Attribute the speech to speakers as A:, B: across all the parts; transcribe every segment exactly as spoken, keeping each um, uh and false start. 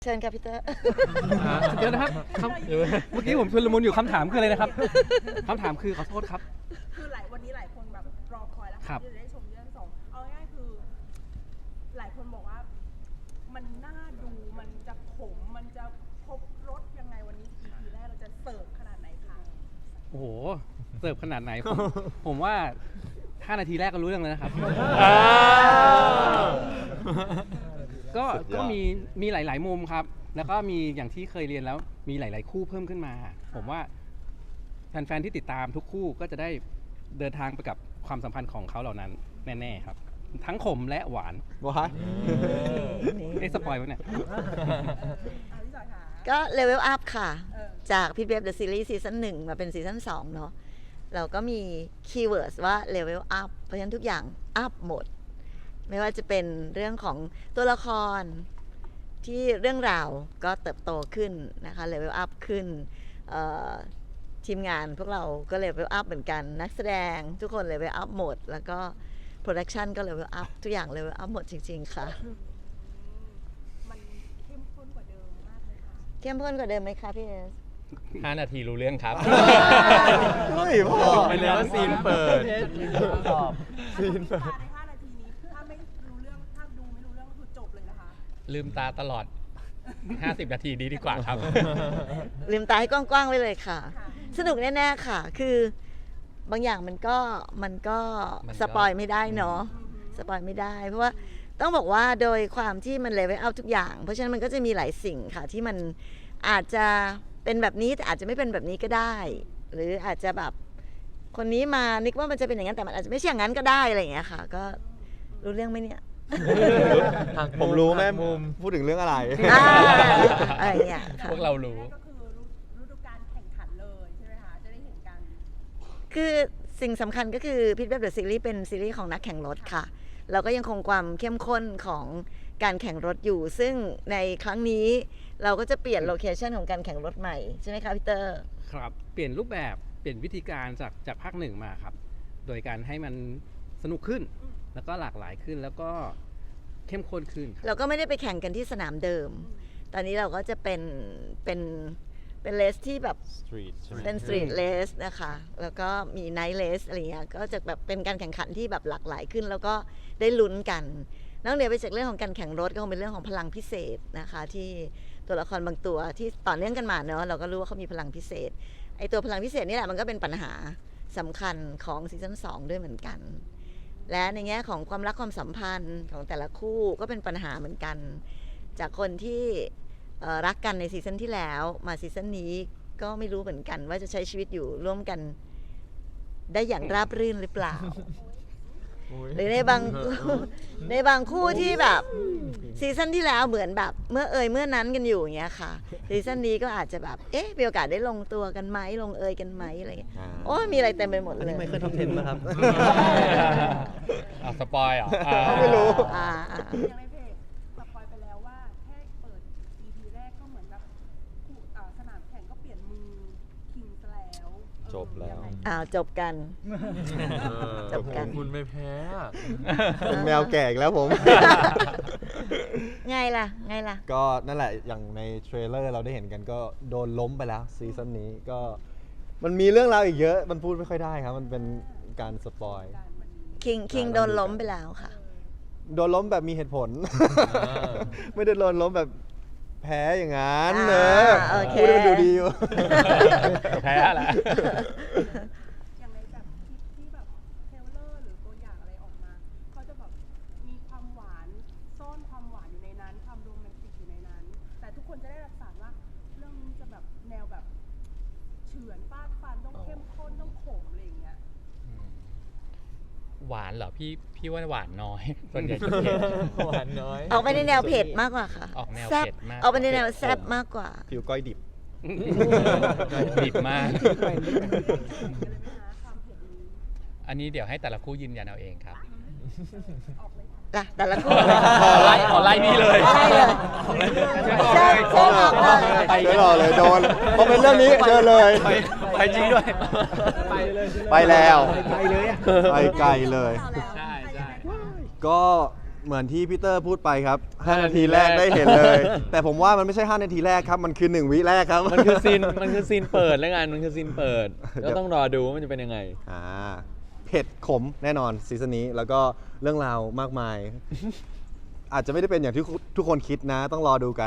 A: เชิญค่ะพี่เตอร์
B: เดี๋ยวนะครับคำเมื่อกี้ผมชุลมุนอยู่คำถามคืออะไรนะครับคำถามคือขอโทษครับ
C: คือหลายวันนี้หลายคนแบบรอคอยแล้ว
B: ครับ
C: ที่จะได้ชมเรื่องสองเอาง่ายๆคือ หลายคนบอกว่า มันน่าดูมันจะขมมันจะครบรสยังไงวันนี้ อี พี แรกเราจะเสิร์ฟขนาดไหนคะ
B: โอ้โหเสิร์ฟขนาดไหนผมผมว่าห้านาทีแรกก็รู้เรื่องเลยนะครับก็ก็มีมีหลาย ๆ มุมครับ แล้วก็มีอย่างที่เคยเรียนแล้วมีหลาย ๆ คู่เพิ่มขึ้นมา ผมว่าแฟน ๆ ที่ติดตามทุกคู่ก็จะได้เดินทางไปกับความสัมพันธ์ของเขาเหล่านั้นแน่ ๆ ครับ ทั้งขมและหวาน
D: ว้า
B: เอ๊ะสปอยล์วะเนี่ย
C: เอาพี่จอยค่ะ
A: ก็เลเวลอัพค่ะ
C: เออ
A: จากพี่เบฟเดอะซีรีส์ซีซั่นหนึ่งมาเป็นซีซั่นสองเนาะเราก็มีคีย์เวิร์ดว่าเลเวลอัพเพราะฉะนั้นทุกอย่างอัพหมด ไม่ว่าจะเป็นเรื่องของตัวละครที่เรื่องราวก็เติบโตขึ้นนะคะเลเวลอัพขึ้นทีมงานพวกเราก็เลเวลอัพเหมือนกันนักแสดงทุกคนเลเวลอัพหมด แล้วก็โปรดักชันก็เลเวลอัพทุกอย่างเลเวลอัพหมดจริงๆค่ะ
C: มันเข้มข้นกว่าเดิมมากเลยค่ะ
A: เข้มข้นกว่าเดิมไหมคะพี่เอส
E: ห้านาทีรู้เรื่องครับ
D: เฮ้ยพ่อ
E: ไปเลยว่าซีนเปิด
D: ซีนเปิด
C: ในห้านาทีนี้ถ้าไม่รู้เรื่องถ้าดูไม่รู้เรื่องก็คือจบเลยนะคะ
E: ลืมตาตลอด ห้าสิบ นาทีนี้ดีกว่าครับ
A: ลืมตาให้กว้างๆไว้เลยค่ะ สนุกแน่ๆค่ะ คือบางอย่างมันก็มันก็
E: มันก็
A: สปอยไม่ได้เนาะสปอยไม่ได้ เพราะว่าต้องบอกว่าโดยความที่มันเลเวลอัพทุกอย่าง เพราะฉะนั้นมันก็จะมีหลายสิ่งค่ะที่มันอาจจะเป็นแบบนี้แต่อาจจะไม่เป็นแบบนี้ก็ได้ หรืออาจจะแบบคนนี้มานึกว่ามันจะเป็นอย่างนั้นแต่มันอาจจะไม่ใช่อย่างนั้นก็ได้อะไรอย่างเงี้ยค่ะ ก็รู้เรื่องไหมเนี่ย
D: ผมรู้แม่พูดถึงเรื่องอะไร
A: อ่าอะไรอย่างเงี้ยค่ะ
E: พวกเรารู้
C: ก็คือฤดูกาลแข่งขันเลยใช่ไหมคะ จะได้เห็นกัน
A: คือสิ่งสำคัญก็คือพิทเว็บเดอะซีรีส์เป็นซีรีส์ของนักแข่งรถค่ะ เราก็ยังคงความเข้มข้นของการแข่งรถอยู่ ซึ่งในครั้งนี้เราก็จะเปลี่ยนโลเคชันของการแข่งรถใหม่ใช่ไหมคะพี่เตอร์
B: ครับเปลี่ยนรูปแบบเปลี่ยนวิธีการจากจากภาคหนึ่งมาครับ โดยการให้มันสนุกขึ้น แล้วก็หลากหลายขึ้นแล้วก็เข้มข้นขึ้นครับ
A: เราก็ไม่ได้ไปแข่งกันที่สนามเดิม ตอนนี้เราก็จะเป็นเป็นเป็นเลสที่แบบ
D: สตรีทใช่ไหม
A: เป็นสตรีทเลสนะคะ แล้วก็มีไนท์เลสอะไรเงี้ย ก็จะแบบเป็นการแข่งขันที่แบบหลากหลายขึ้น แล้วก็ได้ลุ้นกัน นอกเหนือไปจากเรื่องของการแข่งรถก็คงเป็นเรื่องของพลังพิเศษนะคะ ที่ตัวละครบางตัวที่ต่อเนื่องกันมาเนอะเราก็รู้ว่าเขามีพลังพิเศษ ไอตัวพลังพิเศษนี่แหละมันก็เป็นปัญหาสำคัญของซีซั่นสองด้วยเหมือนกัน และในแง่ของความรักความสัมพันธ์ของแต่ละคู่ก็เป็นปัญหาเหมือนกัน จากคนที่เอ่อรักกันในซีซั่นที่แล้วมาซีซั่นนี้ก็ไม่รู้เหมือนกันว่าจะใช้ชีวิตอยู่ร่วมกันได้อย่างราบรื่นหรือเปล่า หรือในบาง ในบางคู่ที่แบบซีซั่นที่แล้วเหมือนแบบเมื่อเอ่ยเมื่อนั้นกันอยู่อย่างเงี้ยค่ะซีซั่นนี้ก็อาจจะแบบเอ๊ะมีโอกาสได้ลงตัวกันไหมลงเอยกันไหมอะไรอย่างเงี้ย
D: อ่า
A: โอ้ยมีอะไรเต็มไปหมดเลย
D: ไม่เคยท็อปเทนนะครับ
E: เอาสปอยเหรอ
D: ไม่รู้
A: อ่าอ่า
C: อย่างในเพจสปอยไปแล้วว่าแค่เปิด อี พี แรกก็เหมือนแบบคู่อ่าสนามแข่งก็เปลี่ยนมือคิงซะแล้วเออ
D: จบแล้ว
C: ยังไง
A: อ้าวจบกัน จบกัน
F: คุณไม่แพ้อะ
D: เป็นแมวแก่อีกแล้วผม
A: ไงล่ะไงล่ะ
D: ก็นั่นแหละอย่างในเทรลเลอร์เราได้เห็นกันก็โดนล้มไปแล้วซีซั่นนี้ก็มันมีเรื่องราวอีกเยอะมันพูดไม่ค่อยได้ครับ มันเป็นการสปอย
C: การวันนี้
A: คิงคิงโดนล้มไปแล้วค่ะ
D: โดนล้มแบบมีเหตุผล ไม่ได้โดนล้มแบบแพ้อย่างนั้น
A: อ่า
D: เนอะ
A: โอเค
D: พูดให้มันดูดีอยู่
E: แพ้แหละ
C: อย่างในแบบคลิปที่แบบเทรลเลอร์หรือตัวอย่างอะไรออกมาเขาจะแบบมีความหวานซ่อนความหวานอยู่ในนั้นความโรแมนติกอยู่ในนั้น แต่ทุกคนจะได้รับสารว่าเรื่องนี้จะแบบแนวแบบเฉือนฟาดฟันต้องเข้มข้นต้องขมอะไรอย่างเงี้ย
E: หวานเหรอพี่พี่ว่าหวานน้อย ส่วนใหญ่จะเผ็ด
F: หวานน้อย
A: ออกไปในแนวเผ็ดมากกว่าค่ะ
E: ออกแนว
A: แซ่บ
E: เผ็ดมาก
A: ออกไปในแนวแซ่บมากกว่า
D: ผิวก้อยดิบ
E: ดิบมาก
C: กันเลยไหมคะความเผ็ดนี้
E: อันนี้เดี๋ยวให้แต่ละคู่ยืนยันเอาเองครับ
C: ออกเลยค่ะ
A: ล่ะแต่ละคู่
E: ขอไล่ขอไล่นี่เลย
A: ไล่เลยเชิญเชิญออกเลย
D: ไปไม่รอเลยโดนพอเป็นเรื่องนี้เจอเลย
E: ไปไปจริงด้วย
F: ไปเลย
D: ไปแล้ว
F: ไปเลยอะ
D: ไปไกลเลย
E: ใช่ใช่
D: ก็เหมือนที่พี่เตอร์พูดไปครับห้านาทีแรกได้เห็นเลย แต่ผมว่ามันไม่ใช่ห้านาทีแรกครับ มันคือหนึ่งวิแรกครับ
F: มันคือซีนมันคือซีนเปิดแล้วกันมันคือซีนเปิดก็ต้องรอดูว่ามันจะเป็นยังไง
D: อ่าเผ็ดขมแน่นอนซีซั่นนี้แล้วก็เรื่องราวมากมาย อาจจะไม่ได้เป็นอย่างที่ทุกคนคิดนะ ต้องรอดูกัน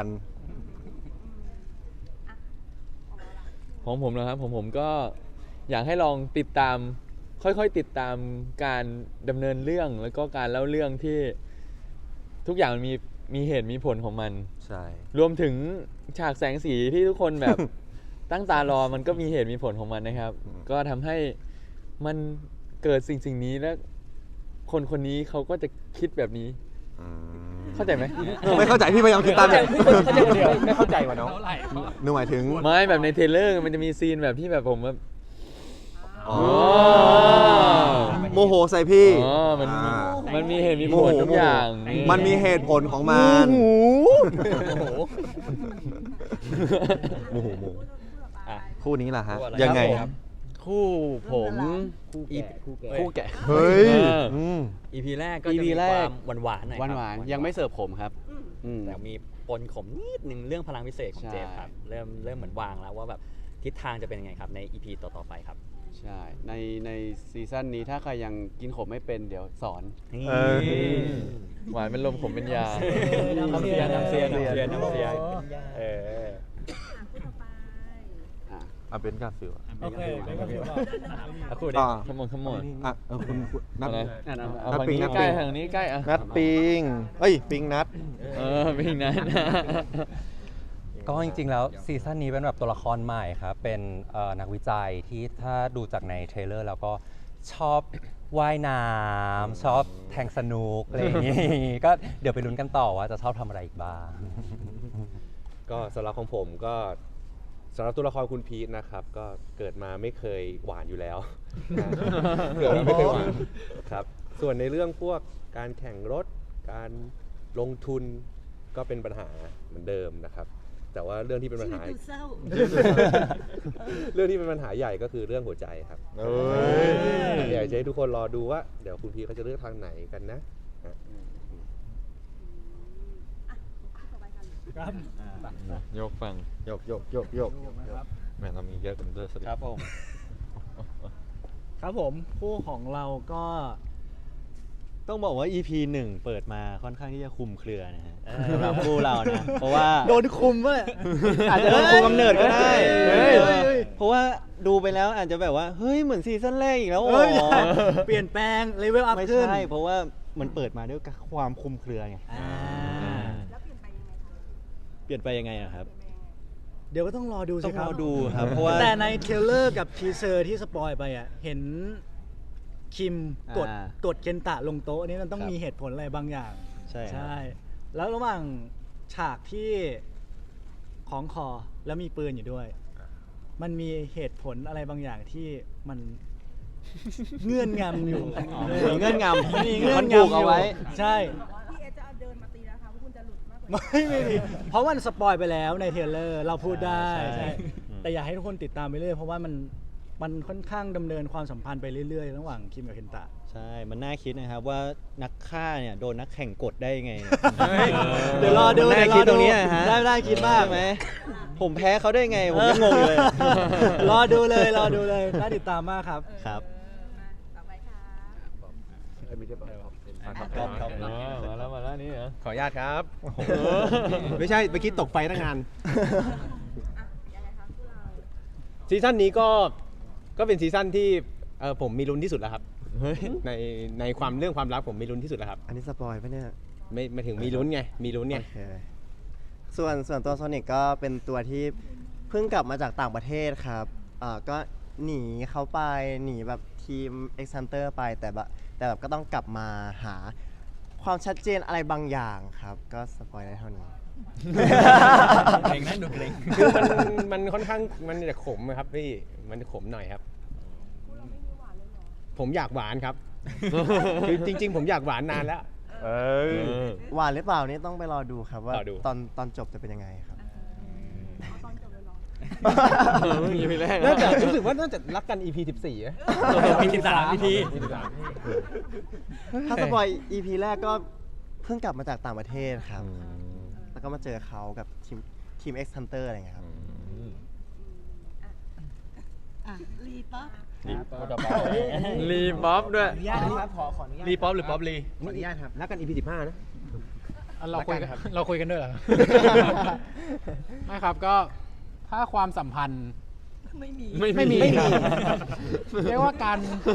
F: ของผมนะครับผมผมก็อยากให้ลองติดตาม ค่อยๆติดตามการดำเนินเรื่องแล้วก็การเล่าเรื่องที่ทุกอย่างมันมีมีเหตุมีผลของมัน
D: ใช่
F: รวมถึงฉากแสงสีที่ทุกคนแบบ ตั้งตารอมันก็มีเหตุมีผลของมันนะครับ ก็ทำให้มันเกิดสิ่งสิ่งนี้แล้วคนคนนี้เขาก็จะคิดแบบนี้
D: อืม
F: เข้าใจไหม
D: ไม่เข้าใจพี่พยายามคิดตามอยู่
B: ไม่เข้าใจว่ะน้อง
D: นึกหมายถึง
F: ไม่แบบในเทรลเลอร์มันจะมีซีนแบบที่แบบผมแบบ
D: อ๋อโมโหใส่พี่
F: อ๋อมัน
D: อ่า
F: มันมีเหตุมีผล
D: โมโห
F: ทุกอย่าง
D: มันมีเหตุผลของมัน โมโหโมโหคู่นี้ล่ะฮะ ยังไง
G: คู่ผม
H: คู่แก่คู่แก่
G: คู่แก่
D: เฮ้ย
F: เอออื
D: ม
H: อีพีแรกก็
G: อี
H: จะ
G: พี
H: มี
G: แร
H: ควาก มหวานๆหน่อย
G: หวาน
H: ครับ
G: หวานๆยังไม่เสิร์ฟผมครับอืม
H: แต่มีปนขมนิดนึงเรื่องพลังพิเศษของ
G: ใช่
H: เจมส์ครับเริ่มเริ่มเหมือนวางแล้วว่าแบบทิศทางจะเป็นยังไงครับในอีพีต่อๆไปครับ
G: ใช่ในในซีซั่นนี้ถ้าใครยังกินขมไม่เป็นเดี๋ยวสอน
D: เออ
F: หวานเป็นลมขมเป็นยา
H: น้ำเสียน้ำเสียน้ำเสียน้ำเสียเออ
G: อ่ะ
D: อ่ะเป็นกาฟิล
H: โอเคอ่ะคู่
D: อ่า
H: นี้
F: ขมอนขมอน
D: อ่ะเออคุณคุณนัด
F: อะไร
G: นั่นเอา
F: เอา
D: นัด
F: ฝั่ง
D: ปิง
F: นี้
D: นัด
F: ใกล้
D: ปิง
F: ทางนี้ใกล้อ่ะ
D: นัดปิงเอ้ย ปิงนัด
F: เออปิงนั้น
I: ก็จริงๆ แล้วซีซั่นนี้เป็นแบบตัวละครใหม่ครับ เป็นเอ่อนักวิจัยที่ถ้าดูจากในเทรลเลอร์แล้วก็ชอบว่ายน้ำชอบแทงสนุกอะไรอย่างงี้ ก็เดี๋ยวไปลุ้นกันต่อว่าจะชอบทำอะไรอีกบ้าง
J: ก็สำหรับของผมก็สำหรับตัวละครคุณพีทนะครับ ก็เกิดมาไม่เคยหวานอยู่แล้ว นะเกิดมาไม่เคยหวานครับ ส่วนในเรื่องพวกการแข่งรถ การลงทุนก็เป็นปัญหาเหมือนเดิมนะครับ แต่ว่าเรื่องที่เป็นปัญหา
A: ดูเศร้า
J: เรื่องที่เป็นปัญหาใหญ่ก็คือเรื่องหัวใจครับ
D: เอ้ย
J: อยากจะให้ทุกคนรอดูว่าเดี๋ยวคุณพีทเขาจะเลือกทางไหนกันนะฮะ
F: ยกฟัง
D: ยกยกยกยก
F: แม่เรามีเยอะกันด้วยสิ
G: ครับผม
K: ครับผมคู่ของเราก็ต้องบอกว่า อี พี หนึ่งเปิดมาค่อนข้างที่จะคุมเครือนะฮะสำหรับคู่เรานะ เพราะว่า
G: โดนคุมวะ
K: อาจจะโดนคุมกำเนิดก็ได้
G: เฮ้ย
K: เฮ้ยเพราะว่าดูไปแล้วอาจจะแบบว่าเฮ้ยเหมือนซีซั่นแรกอีกแล้วอ๋
G: เฮ้ย
K: อ
G: เปลี่ยนแปลงเลเวลอัพ
K: ไม่
G: ขึ้น
K: ใช่เพราะว่ามันเปิดมาด้วยความคุมเครือไง
G: อ่า
C: แล้วเปลี่ยนไปยังไงคะ
K: เปลี่ยนไปยังไงอะครับ
G: เดี๋ยวก็ต้องรอดู
K: ต้
G: สิ
K: อง
G: ค
K: ร
G: รับ
K: อดูครับ เพราะว่า
G: แต่ในเทรลเลอร์กับทีเซอร์ที่สปอยไปอ่ะ เห็นคิมกด
K: อ่าก
G: ดเคนตะลงโต๊ะนี่มันต้อง
K: ครับ
G: มีเหตุผลอะไรบางอย่าง
K: ใช่ครับ
G: ใช่ แล้วระหว่างฉากที่ของคอแล้วมีปืนอยู่ด้วย มันมีเหตุผลอะไรบางอย่างที่มัน เงื่อนงำอยู่
K: มีเงื่อนงำ
G: มีเงื่อน
K: มันผูก
G: งำอ
K: เอา
G: ยู่
K: ไว้
G: ใช่
C: พี่เอจะเอาเดินมาตีแล้วค่ะว่าคุณจะหลุดมากกว่า
G: ไม่ไม่มีเพราะมันสปอยไปแล้วในเทรลเลอร์เราพูดได้
K: ใช่
G: ใช่
K: อืม
G: แต่อยากให้ทุกคนติดตามไปเรื่อยเพราะว่ามันมันค่อนข้างดำเนินความสัมพันธ์ไปเรื่อยๆ ระหว่างคิมกับเคนตะ
K: ใช่ มันน่าคิดนะครับว่านักฆ่าเนี่ยโดนนักแข่งกดได้ยังไง
G: เดี๋ยวรอดู
K: มันน่า
G: เดี๋ยวรอ
K: คิดตรงนี้
G: ดู
K: อะฮะ
G: ได้ได้คิดมาก
K: ใช่ไหมผมแพ้เขาได้ไง ผมยังงงอยู่เลย
G: รอดูเลยรอดูเลยน่าติดตามมากครับ
K: ครับ
C: ต่อไปค่ะ
F: มาแล้วมาแล้วนี่เหรอ
L: ขออนุญาตครับ ไม่ใช่เมื่อกี้ตกไฟตั้งนาน
C: อ่ะยังไงคะคู่เรา
L: ซีซั่นนี้ก็ก็เป็นซีซั่นที่เอ่อผมมีลุ้นที่สุดแล้วครับ
F: เฮ้ย
L: ในในความเรื่องความรักผมมีลุ้นที่สุดแล้วครับ
D: อันนี้สปอยปะเนี่ย
L: ไม่ไม่ถึงมีลุ้นไงมีลุ้นไง
D: โอเคส่วนส่วนตัวโซนิกก็เป็นตัวที่เพิ่งกลับมาจากต่างประเทศครับอ่าก็หนีเขาไปหนีแบบทีม X Hunter ไปแต่แบบแต่แบบก็ต้องกลับมาหาความชัดเจนอะไรบางอย่างครับ ก็สปอยได้เท่านี้
H: เกรงนะดูเกรง
L: คือมันมันค่อนข้างมันจะขมอะครับพี่มันจะขมหน่อยครับ
C: คู่เราไม่มีหวานเลยเหรอ
L: ผมอยากหวานครับ คือจริง ๆ ผมอยากหวานนานแล้ว
D: เอ้ยหวานหรือเปล่านี่ต้องไปรอดูครับว่าร
L: อดู
D: ตอนตอนจบจะเป็นยังไงครับ
C: เอาตอนจบเลยเหรอ
F: อีพีแรก
L: น่าจะรู้สึกว่าน่าจะรักกัน อี พี สิบสี่อะ
H: มีสิบสาม อี พี
D: ถ้าสปอย อี พี แรกก็เพิ่งกลับมาจากต่างประเทศครับ แล้วก็มาเจอเขากับทีมทีม X Hunter อะไรอย่างเงี้ยครับ
A: อ่ะรีป๊อป
F: รีบ๊อบด้วย
L: อนุญาตนะครับขอขออนุญาต
K: รีป๊อปหรือป๊อปรี
L: ขออนุญาตครับนักกัน อี พี สิบห้านะ
K: เราคุยกัน
L: ครับ
K: เราคุยกันด้วยเหรอ ไม่ครับก็ถ้าความสัมพันธ์
A: ไม่มี
F: ไม่
K: ไม่มี
F: ไม่มี
K: เรียกว่าการ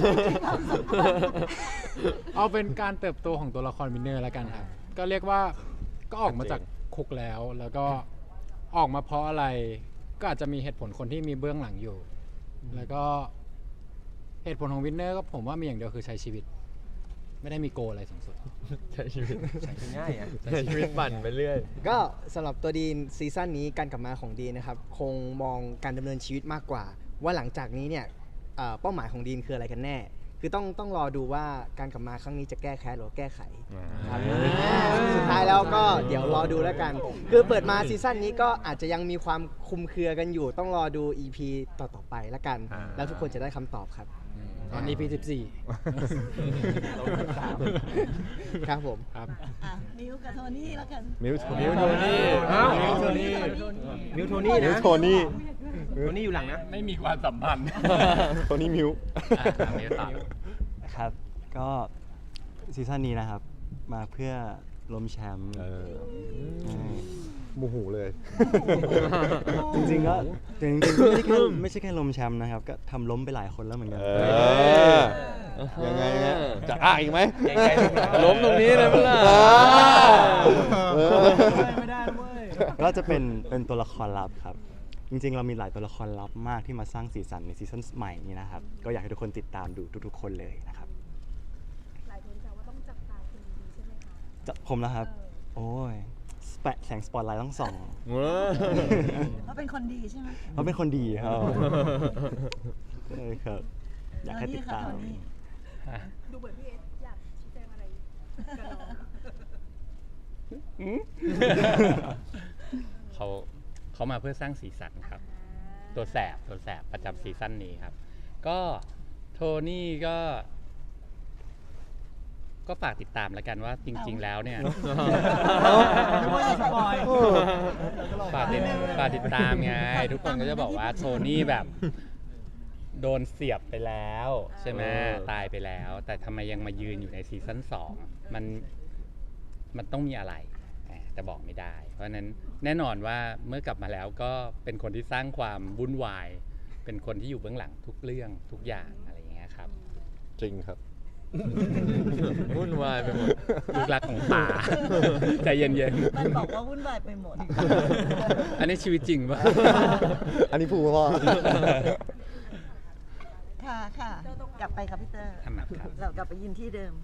K: เอาเป็นการเติบโตของตัวละครวินเนอร์แล้วกันครับ ก็เรียกว่าก็ออกมาจากคุกแล้ว แล้วก็ออกมาเพราะอะไร ก็อาจจะมีเหตุผลคนที่มีเบื้องหลังอยู่ แล้วก็เหตุผลของวินเนอร์ก็ผมว่ามีอย่างเดียวคือใช้ชีวิต ไม่ได้มีโกลอะไรสูงสุด
F: ใช้ชีวิต
K: ใช้ง่ายอ่ะ
F: ใช้ชีวิตปั่นไปเรื่อย
L: ก็สำหรับตัวดีนซีซั่นนี้การกลับมาของดีนนะครับคงมองการดำเนินชีวิตมากกว่า ว่าหลังจากนี้เนี่ยเอ่อเป้าหมายของดีนคืออะไรกันแน่ คือต้องต้องรอดูว่าการกลับมาครั้งนี้จะแก้แค้นหรือแก้ไขครับสุดท้ายแล้วก็เดี๋ยวรอดูแล้วกัน คือเปิดมาซีซั่นนี้ก็อาจจะยังมีความคลุมเครือกันอยู่ ต้องรอดู อี พี ต่อๆไปแล้วกัน แล้วทุกคนจะได้คำตอบครับ
K: ตอน อี พี สิบสี่
L: ครับผม
K: ครับ
A: อ่ะมิวกับโทนี่แล้วกัน
F: มิวมิวโทนี่
L: อ้าว
F: มิวโทนี่
L: มิวโทนี่นะ
J: มิวโทนี่
L: โทนี่อยู่หลังนะ
K: ไม่มีความสัมพันธ์
J: โทนี่มิว
G: ครับ ก็ซีซั่นนี้นะครับ มาเพื่อล้มแชมป์
J: เออ
G: ใช่
J: โมโหเลย
G: จริงๆก็จริงๆไม่ใช่แค่ไม่ใช่แค่ล้มแชมป์นะครับ ก็ทำล้มไปหลายคนแล้วเหมือนกัน
J: เออ ยังไงนะจะอ้าอีกไหม
F: ล้มตรงนี้เลยเมื่อไหร่
J: เออ
G: ไม่ได้เว้ย ก็จะเป็นเป็นตัวละครลับครับ จริงๆ เรามีหลายตัวละครลับมากที่มาสร้างสีสันในซีซั่นใหม่นี้นะครับ ก็อยากให้ทุกคนติดตามดูทุกๆ คนเลยนะครับ
C: หลายคนจะว่าต้องจับตาคุณดีใช่ไหมคะ
G: จะผมนะครับ โอ้ยแปะแสงสปอตไลท์ต้องส่อง
A: เขาเป็นคนดีใช่ไหม
G: เขาเป็นคนดีครับใช่ครับ อยากให้ติดตาม
A: โทนี่
C: ดูเหมือนพี่เอสอยากชี้แจงอะไรกับน้อง
E: เขาเขามาเพื่อสร้างสีสันครับ ตัวแสบตัวแสบประจำซีซั่นนี้ครับ ก็โทนี่ก็ ก็ฝากติดตามแล้วกันว่าจริง ๆ แล้วเนี่ย ฝากติดฝากติดตามไง ทุกคนก็จะบอกว่าโทนี่แบบ โดนเสียบไปแล้วใช่ไหมตายไปแล้ว แต่ทำไมยังมายืนอยู่ในซีซั่นสองมันมันต้องมีอะไรแต่บอกไม่ได้ เพราะฉะนั้นแน่นอนว่าเมื่อกลับมาแล้วก็เป็นคนที่สร้างความวุ่นวาย เป็นคนที่อยู่เบื้องหลังทุกเรื่องทุกอย่างอะไรอย่างเงี้ยครับ
J: จริงครับ
F: วุ่นวายไปหมด
E: ลูกรักของป่า ใจเย็น
A: มันบอกว่าวุ่นวายไปหมด
E: ๆ อันนี้ชีวิตจริงปะ
J: อันนี้พูดพ่อ
A: ค่ะค่ะ กลับไปครับพี่เตอร์
E: ทำไมครับ
A: เรากลับไปยืนที่เดิม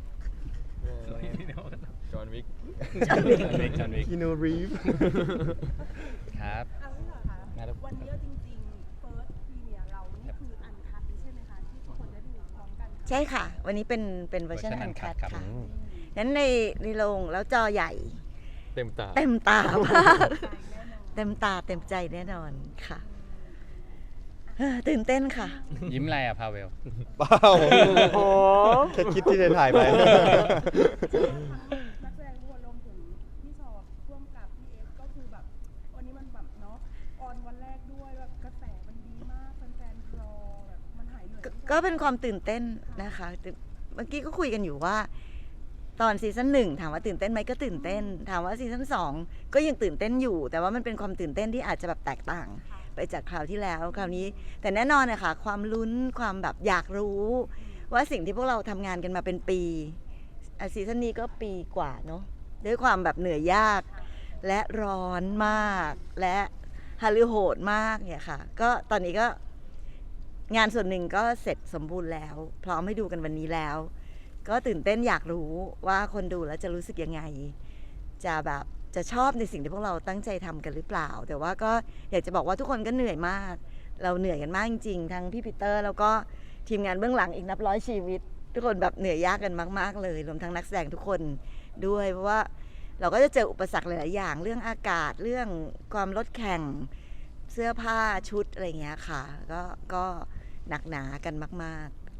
F: จอห์นวิก
E: จอห์นวิกจอห์นวิก
J: คินูรีฟ
E: ครับ
C: เอาพี่เหรอคะ
E: มาแล้ว
C: วันนี้เอาจริงๆ First Premiere เรานี่คืออันคัดใช่ไหมคะ ที่ทุกคนได้ดูพร้อมกัน
A: ใช่ค่ะ วันนี้เป็นเป็นเวอร์ชัน
E: เวอร์ชัน
A: อันคัด
E: uncut ครับ
A: ค่ะนั้นในในโรงแล้วจอใหญ่
F: เต็มตา
A: เต็มตามากเต็มตาเต็มใจแน่นอนค่ะเฮ้อตื่นเต้นค่ะ
E: ยิ้มอะไรอะพาเวล
J: เปล่าโอ้แค่คิดที่จะถ่ายไป
C: นักแสดงทุกคนรวมถึงพี่ชอบร่วมกับพี่เอสก็คือแบบวันนี้มันแบบเนาะออนวันแรกด้วยแบบกระแสมันดีมากแฟนๆรอแบบมันหายเหนื่อย
A: ก็ก็เป็นความตื่นเต้นนะคะแต่เมื่อกี้ก็คุยกันอยู่ว่า ตอนซีซั่นหนึ่งถามว่าตื่นเต้นไหมก็ตื่นเต้น ถามว่าซีซั่นสองก็ยังตื่นเต้นอยู่ แต่ว่ามันเป็นความตื่นเต้นที่อาจจะแบบแตกต่าง ไปจากคราวที่แล้วคราวนี้ แต่แน่นอนนะคะความลุ้นความแบบอยากรู้ ว่าสิ่งที่พวกเราทำงานกันมาเป็นปีอ่ะซีซั่นนี้ก็ปีกว่าเนาะด้วยความแบบเหนื่อยยาก และร้อนมาก และฮาลือโหดมากเนี่ยค่ะ ก็ตอนนี้ก็งานส่วนหนึ่งก็เสร็จสมบูรณ์แล้ว พร้อมให้ดูกันวันนี้แล้ว ก็ตื่นเต้นอยากรู้ว่าคนดูแล้วจะรู้สึกยังไง จะแบบจะชอบในสิ่งที่พวกเราตั้งใจทำกันหรือเปล่า แต่ว่าก็อยากจะบอกว่าทุกคนก็เหนื่อยมาก เราเหนื่อยกันมากจริงๆทั้งพี่ปีเตอร์แล้วก็ทีมงานเบื้องหลังอีกนับร้อยชีวิต ทุกคนแบบเหนื่อยยากกันมากๆเลยรวมทั้งนักแสดงทุกคนด้วยเพราะว่าเราก็จะเจออุปสรรคหลายๆอย่าง เรื่องอากาศเรื่องความลดแข่งเสื้อผ้าชุดอะไรอย่างเงี้ยค่ะก็ก็หนักหนากันมากๆ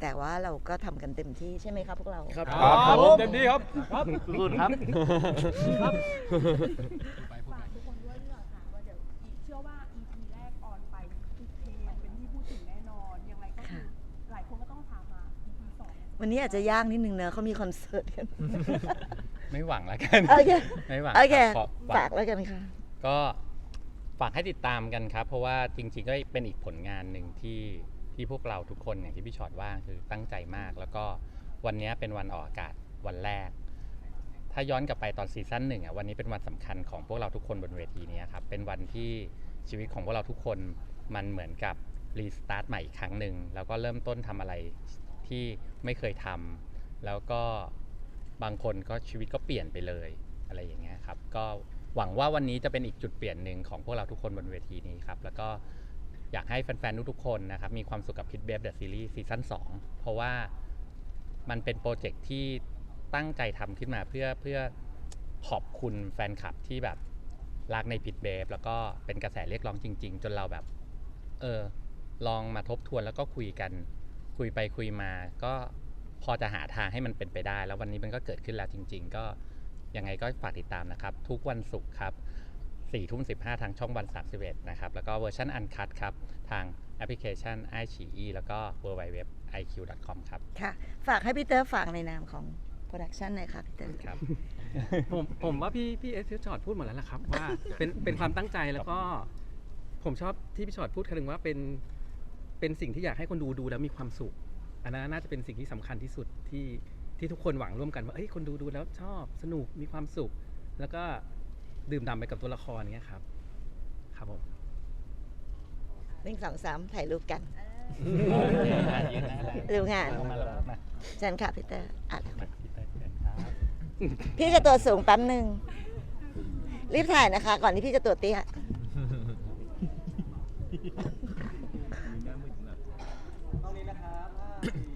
A: แต่ว่าเราก็ทำกันเต็มที่ใช่ไหมครับพวกเรา
F: ครับ
B: ครับผมเต็มที่ครับ
G: ครับสุดครับครับ
C: ฝากทุกคนด้วยดีกว่าค่ะว่าเดี๋ยวอีกเชื่อว่า อี พี แรกออนไปติดเทรนด์เป็นที่พูดถึงแน่นอน ยังไงก็คือหลายคนก็ต้องถามหา อี พี สอง
A: วันนี้อาจจะยากนิดนึงเนอะเขามีคอนเสิร์ตกัน
E: ไม่หวังแล้วกัน
A: โอเค
E: ไม่หวัง
A: โอเค
E: รับขอหวัง
A: ฝากแล้วกันค่ะ
E: ก็ฝากให้ติดตามกันครับ เพราะว่าจริงๆก็เป็นอีกผลงานหนึ่งที่ที่พวกเราทุกคนอย่างที่พี่ชอตว่าคือตั้งใจมาก แล้วก็วันนี้เป็นวันออกอากาศวันแรก ถ้าย้อนกลับไปตอนซีซั่นหนึ่งอ่ะวันนี้เป็นวันสำคัญของพวกเราทุกคนบนเวทีนี้ครับเป็นวันที่ชีวิตของพวกเราทุกคนมันเหมือนกับรีสตาร์ทใหม่อีกครั้งหนึ่งแล้วก็เริ่มต้นทำอะไรที่ไม่เคยทำแล้วก็บางคนก็ชีวิตก็เปลี่ยนไปเลยอะไรอย่างเงี้ยครับก็หวังว่าวันนี้จะเป็นอีกจุดเปลี่ยนหนึ่งของพวกเราทุกคนบนเวทีนี้ครับแล้วก็อยากให้แฟนๆทุกๆคนนะครับมีความสุขกับ Pit Babe The Series ซีซั่นสองเพราะว่ามันเป็นโปรเจกต์ที่ตั้งใจทำขึ้นมาเพื่อเพื่อขอบคุณแฟนคลับที่แบบรักใน Pit Babe แล้วก็เป็นกระแสเรียกร้องจริงๆจนเราแบบเออลองมาทบทวนแล้วก็คุยกันคุยไปคุยมาก็พอจะหาทางให้มันเป็นไปได้แล้ววันนี้มันก็เกิดขึ้นแล้วจริงๆก็ยังไงก็ฝากติดตามนะครับทุกวันศุกร์ครับสี่ทุ่มสิบห้าทางช่องวันสามสิบเอ็ดนะครับแล้วก็เวอร์ชันอันคัตครับทางแอปพลิเคชัน ไอ ซี อี แล้วก็ ดับเบิลยู ดับเบิลยู ดับเบิลยู ดอท ไอ คิว ดอท คอม ครับ
A: ค่ะ ฝากให้พี่เตอร์ฝากในนามของโปรดักชันหน่อยค่ะพี่เตอร์
E: ครับ
B: ผมผมว่าพี่พี่เอสพี่ชอตพูดหมดแล้วล่ะครับ ว่าเป็นเป็นความตั้งใจแล้วก็ผมชอบที่พี่ชอตพูดคำนึงว่าเป็นเป็นสิ่งที่อยากให้คนดูดูแล้วมีความสุขอันนั้นน่าจะเป็นสิ่งที่สำคัญที่สุดที่ที่ทุกคนหวังร่วมกันว่าเอ้ยคนดูดูแล้วชอบสนุกมีความสุข แล้วก็ดื่มด่ำไปกับตัวละครเนี้ยครับครับผม
A: หนึ่งสองสามถ่ายรูปกัน
E: ยืนหน้าเลย
A: ดูงาน
E: มาแล้วมา
A: เชิญค่ะพี่เตอร์อ่ะแล้ว
E: พี่เต้ยเชิญครับ
A: พี่จะตัวสูงแป๊บหนึ่งรีบถ่ายนะคะ ก่อนที่พี่จะตัวเตี้ย
G: ตรงนี้นะครับ